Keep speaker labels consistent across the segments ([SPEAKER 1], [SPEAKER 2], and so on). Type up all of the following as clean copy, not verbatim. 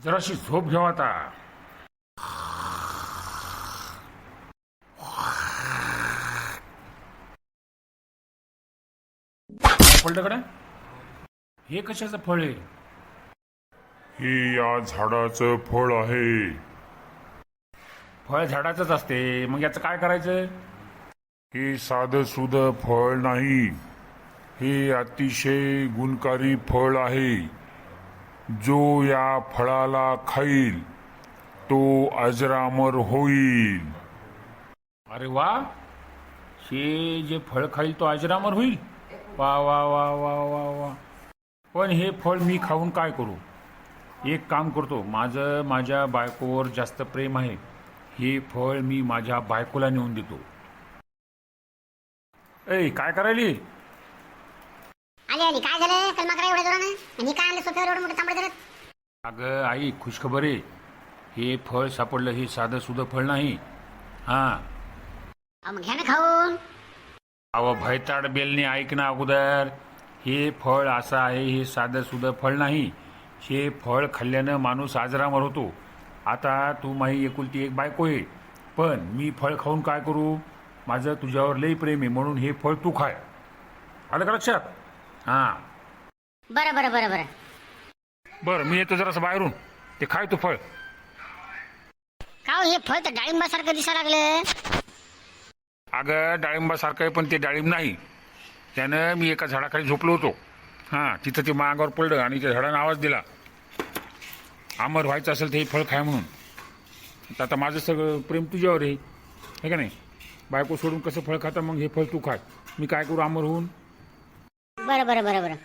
[SPEAKER 1] जराशी झोप घेऊ आता. पडलं कडे. हे कशाचं फळ आहे?
[SPEAKER 2] हे या झाडाचं फळ आहे.
[SPEAKER 1] फळ झाडाचंच असते, मग याचं काय करायचं?
[SPEAKER 2] हे साधं सुधं फळ नाही, हे अतिशय गुणकारी फळ आहे. जो या फळाला खाईल तो अजरामर होईल.
[SPEAKER 1] अरे वा, हे जे फळ खाईल तो अजरामर होईल. वा वा वा वा वा वा. पण हे फळ मी खाऊन काय करू? एक काम करतो, माझं माझ्या बायकोवर जास्त प्रेम आहे, हे फळ मी माझ्या बायकोला नेऊन देतो. ए, काय करायली?
[SPEAKER 3] आली आली. काय झालं? कलमा करा एवढ्या जोरानं आणि काय आणलं सोफ्यावर एवढं मोठं तांबडं धरत?
[SPEAKER 1] अगं आई, खुशखबर आहे. हे फळ सापडलं. हे साधं सुधं फळ नाही. हां,
[SPEAKER 3] मग घ्या ना खाऊन.
[SPEAKER 1] अहो भयताड बेलने ऐक ना अगोदर. हे फळ असं आहे, हे साधं सुधं फळ नाही. हे फळ खाल्ल्यानं माणूस आजरामर होतो. आता तू माझी एकुलती एक बायको आहे, पण मी फळ खाऊन काय करू? माझं तुझ्यावर लई प्रेम आहे, म्हणून हे फळ तू खाय. आलं का लक्षात? हां
[SPEAKER 3] बरं बरं बरं बरं.
[SPEAKER 1] बरं, मी येतो जरासं बाहेरून. ते खाय तू फळ.
[SPEAKER 3] का हो, हे फळ तर डाळिंबासारखं दिसायला लागलं.
[SPEAKER 1] अगं डाळिंबासारखं आहे, पण ते डाळिंब नाही. त्यानं मी एका झाडाखाली झोपलो होतो. हां, तिथं ते मागावर पडलं आणि त्या झाडानं आवाज दिला, अमर व्हायचं असेल तर हे फळ खाय म्हणून. तर आता माझं सगळं प्रेम तुझ्यावर आहे, हे का नाही? बायको सोडून कसं फळ खाता? मग हे फळ तू खाय. मी काय करू अमर होऊन?
[SPEAKER 3] बरं बरं बरं बरं.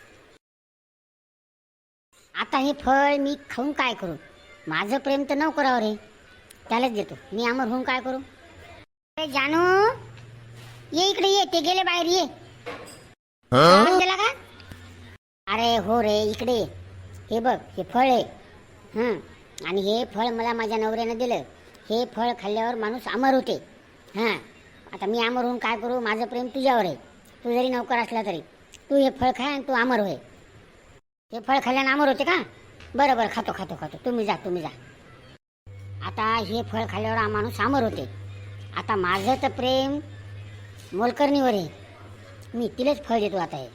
[SPEAKER 3] आता हे फळ मी खाऊन काय करू? माझं प्रेम तर नोकरावर आहे, त्यालाच देतो. मी अमर होऊन काय करू? अरे जानू, ये इकडे ये. ते गेले बाहेर, ये. आवाज दिला का? अरे हो रे, इकडे ये. हे बघ, हे फळ आहे. आणि हे फळ मला माझ्या नवऱ्यानं दिलं. हे फळ खाल्ल्यावर माणूस अमर होते. हां, आता मी अमर होऊन काय करू? माझं प्रेम तुझ्यावर आहे. तू जरी नौकर असला तरी तू हे फळ खाय आणि तू अमर होय. हे फळ खाल्ल्यानं अमर होते का? बरं बरं, खातो खातो खातो. तुम्ही जा, तुम्ही जा. आता हे फळ खाल्ल्यावर हा माणूस अमर होते. आता माझं तर प्रेम मोलकरणीवर आहे, मी तिलाच फळ देतो. आता हे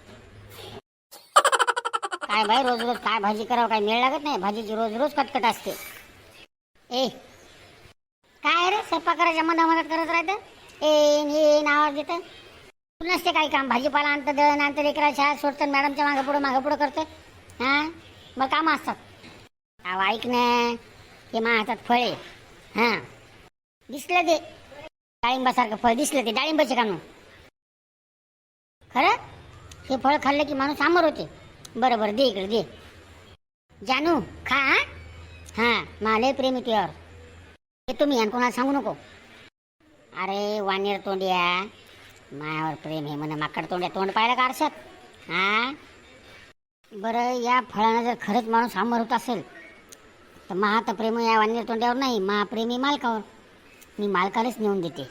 [SPEAKER 3] काय बाई, रोज रोज काय भाजी करावं, काय मेळ लागत नाही. भाजीची रोज रोज कटकट असते. ए काय रे, स्वयंपाक करायच्या मधामधात करत राहतं. ए आवाज देतं. तुला नसते काही काम? भाजीपाला आणतं, दळण आणतं, लेकरा शाळा सोडतं, मॅडमच्या मागं पुढं करतं. हां, मग कामं असतात. अहो ऐक ना, हे मा हातात फळ आहे. हां, दिसलं ते डाळिंबासारखं फळ दिसलं, ते डाळिंबाचे कानू. खरं हे फळ खाल्लं की माणूस अमर होते. बरं बरं, दे इकडे दे. जानू खा. हां, मला प्रेम आहे तुझ्यावर. हे तुम्ही आणि कोणाला सांगू नको. अरे वानेर तोंड्या, मायावर प्रेम आहे म्हणे. माकड तोंड्या, तोंड पाहिलं का आरशात? हां, बरं, या फळानं जर खरंच माणूस अमर होत असेल तर महा तर प्रेम या वानेर तोंड्यावर नाही, महाप्रेमी मालकावर. मी मालकालाच नेऊन देते.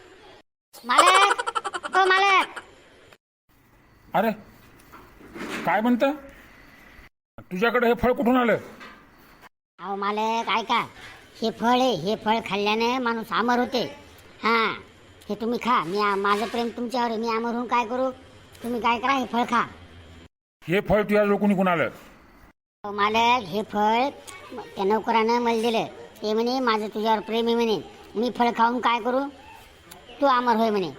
[SPEAKER 3] मालक, ओ मालक.
[SPEAKER 1] अरे काय म्हणतं? तुझ्याकडे हे फळ कुठून आलं?
[SPEAKER 3] अहो मालक ऐका, हे फळ आहे. हे फळ खाल्ल्याने माणूस अमर होते. हां, हे तुम्ही खा. माझं प्रेम तुमच्यावर आहे. मी अमर होऊन काय करू? तुम्ही काय करा, हे फळ खा.
[SPEAKER 1] हे फळ तुझ्या लोकून कोण आलं?
[SPEAKER 3] अहो मालक, हे फळ त्या नोकरानं मला दिलं. ते म्हणे माझं तुझ्यावर प्रेम आहे म्हणे. मी फळ खाऊन काय करू? तू अमर होय म्हणे.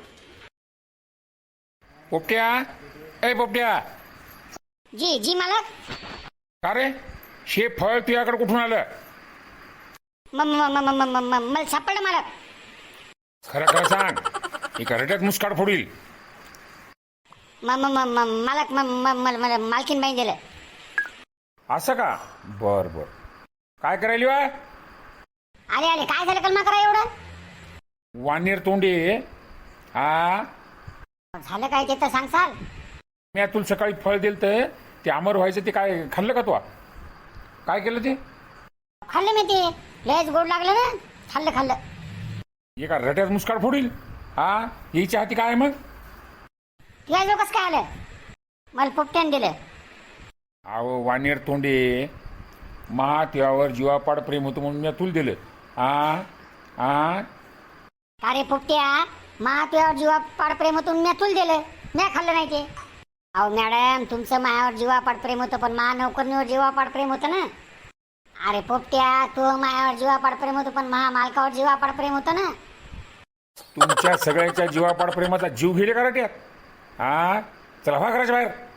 [SPEAKER 1] पोपट्या, ए पोपट्या.
[SPEAKER 3] जी जी मालक.
[SPEAKER 1] का रे, हे फळ तुझ्याकडे कुठून आलं?
[SPEAKER 3] मला सापडलं मालक.
[SPEAKER 1] खरं खरं सांग, एका रट्यात मुस्काड फोडील.
[SPEAKER 3] मालक मला मालकीन बाई दिलं.
[SPEAKER 1] असं का? बर बर. काय करायली वा?
[SPEAKER 3] आले आले. काय झालं कलमा करा एवढं?
[SPEAKER 1] वानेर तोंडे. हा,
[SPEAKER 3] झालं काय ते तर सांगसाल?
[SPEAKER 1] मी तुला सकाळी फळ दिलं तर ते अमर व्हायचं, ते काय खाल्लं का तू? काय केलं ते?
[SPEAKER 3] खाल्लं मी ते. लयच गोड लागलं ना. खाल्लं.
[SPEAKER 1] एका रट्यात मुस्काड फोडील. हा, यायच्या हाती काय मग?
[SPEAKER 3] तुझ्या जो कसं काय आलं? मला पोपट्यानं दिलं.
[SPEAKER 1] अहो वानेर तोंडे, मा त्यावर जीवापाड प्रेम होतं म्हणून मी तुला दिलं. आ
[SPEAKER 3] अरे पोपट्या तुझ्यावर जीवापाड प्रेम होतं मी तुला दिलं, मी खाल्लं नाही ते. अहो मॅडम, तुमचं मायावर जीवापाड प्रेम होतं, पण नोकरणीवर जीवापाड प्रेम होतं ना. अरे पोपट्या, तू मायावर जीवापाड प्रेम होतं, पण मालकावर जीवापाड प्रेम होतं ना.
[SPEAKER 1] तुमच्या सगळ्यांच्या जीवापाड प्रेमाचा जीव घेले का रट्यात? चला व्हा घराच्या बाहेर.